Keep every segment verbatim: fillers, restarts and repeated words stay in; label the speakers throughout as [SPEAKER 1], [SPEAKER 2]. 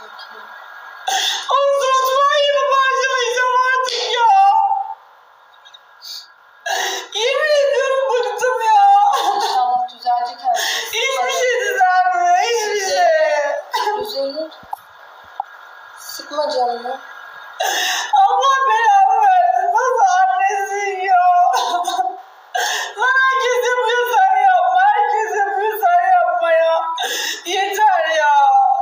[SPEAKER 1] Ama suratıma yine parçalayacağım artık ya. Yemin ediyorum bıktım ya.
[SPEAKER 2] İnşallah düzelecek her şey.
[SPEAKER 1] Hiçbir şey düzelmiyor. Hiçbir şey.
[SPEAKER 2] Düzelir. Sıkma canını.
[SPEAKER 1] Allah belamı versin. Nasıl annesin ya? Lan herkes yapıyor sen yapma. Herkes yapıyor sen yapma ya. Yeter ya.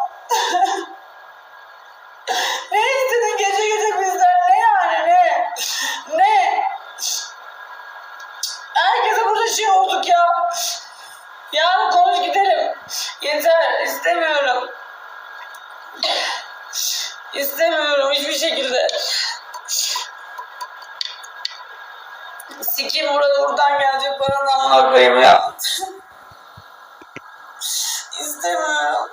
[SPEAKER 1] Ne istedin gece gece bizden? Ne yani ne? Ne? Herkese burada şey olduk ya. Yarın konuş gidelim. Yeter istemiyorum. İstemiyorum hiçbir şekilde. Sikeyim burada buradan gelecek paranın amına koyayım ya. İstemiyorum.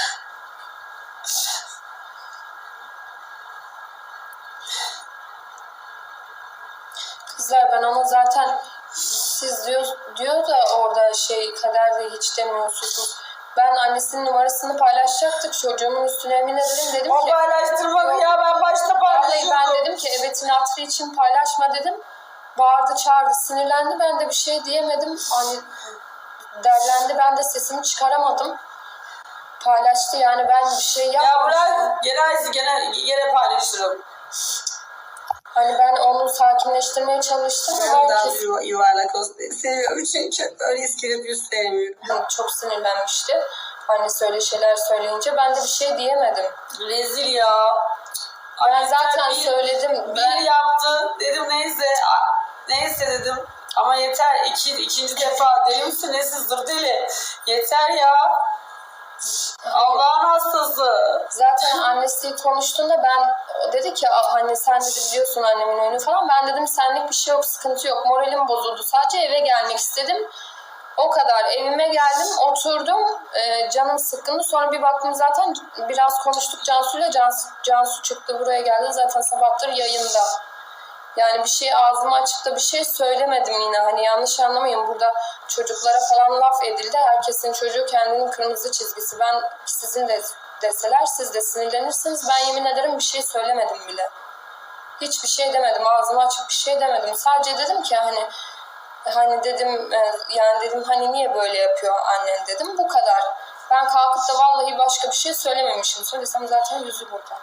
[SPEAKER 2] Kızlar ben ona zaten siz diyor, diyor da orada şey kaderde hiç demiyorsunuz. Ben annesinin numarasını paylaşacaktık. Çocuğumun üstüne emin ederim dedim
[SPEAKER 1] O
[SPEAKER 2] ki.
[SPEAKER 1] paylaştırmadı ya ben başta
[SPEAKER 2] Vallahi
[SPEAKER 1] paylaşıyordum.
[SPEAKER 2] ben dedim ki evetin hatırı için paylaşma dedim. Bağırdı çağırdı sinirlendi ben de bir şey diyemedim. Hani derlendi ben de sesimi çıkaramadım. Paylaştı yani ben bir şey
[SPEAKER 1] Ya
[SPEAKER 2] yapmadım.
[SPEAKER 1] bırak gene gene gene paylaşırım.
[SPEAKER 2] Hani ben onu sakinleştirmeye çalıştım.
[SPEAKER 1] Ben daha
[SPEAKER 2] Herkes
[SPEAKER 1] yuva- yuvarlak olsun diye seviyorum çünkü öyle iskelet sevmiyorum.
[SPEAKER 2] çok sinirlenmişti. Annesi öyle şeyler söyleyince ben de bir şey diyemedim.
[SPEAKER 1] Rezil ya.
[SPEAKER 2] Ben zaten
[SPEAKER 1] bir,
[SPEAKER 2] söyledim.
[SPEAKER 1] Bir
[SPEAKER 2] Ben
[SPEAKER 1] yaptı dedim neyse neyse dedim. Ama yeter iki, ikinci defa deli misin ne sizdir deli. Yeter ya. Allah'ın hastası.
[SPEAKER 2] zaten annesi konuştuğunda ben o dedi ki hani sen dedi biliyorsun annemin oyunu falan. Ben dedim senlik bir şey yok sıkıntı yok moralim bozuldu. Sadece eve gelmek istedim. O kadar evime geldim oturdum ee, canım sıkkındı. Sonra bir baktım zaten biraz konuştuk Cansu'yla. Cansu, Cansu çıktı buraya geldi zaten sabahtır yayında. Yani bir şey ağzımı açıp da bir şey söylemedim yine. Hani yanlış anlamayın burada çocuklara falan laf edildi. Herkesin çocuğu kendinin kırmızı çizgisi. Ben sizin de deseler siz de sinirlenirsiniz. Ben yemin ederim bir şey söylemedim bile. Hiçbir şey demedim. Ağzımı açıp bir şey demedim. Sadece dedim ki hani hani dedim yani dedim hani niye böyle yapıyor annen dedim. Bu kadar. Ben kalkıp da vallahi başka bir şey söylememişim. Söylesem zaten yüzü burada.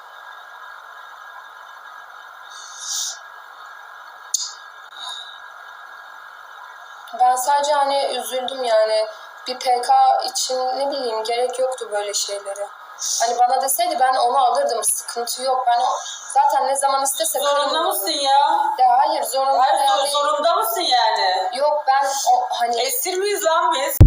[SPEAKER 2] Ben sadece hani üzüldüm yani bir P K için ne bileyim gerek yoktu böyle şeylere. Hani bana deseydi ben onu alırdım sıkıntı yok. Ben o, zaten ne zaman istese
[SPEAKER 1] Zorunda mısın ya?
[SPEAKER 2] Ya hayır zorunda
[SPEAKER 1] Hayır,
[SPEAKER 2] değil.
[SPEAKER 1] zorunda mısın yani?
[SPEAKER 2] Yok ben o hani
[SPEAKER 1] Esir miyiz lan biz?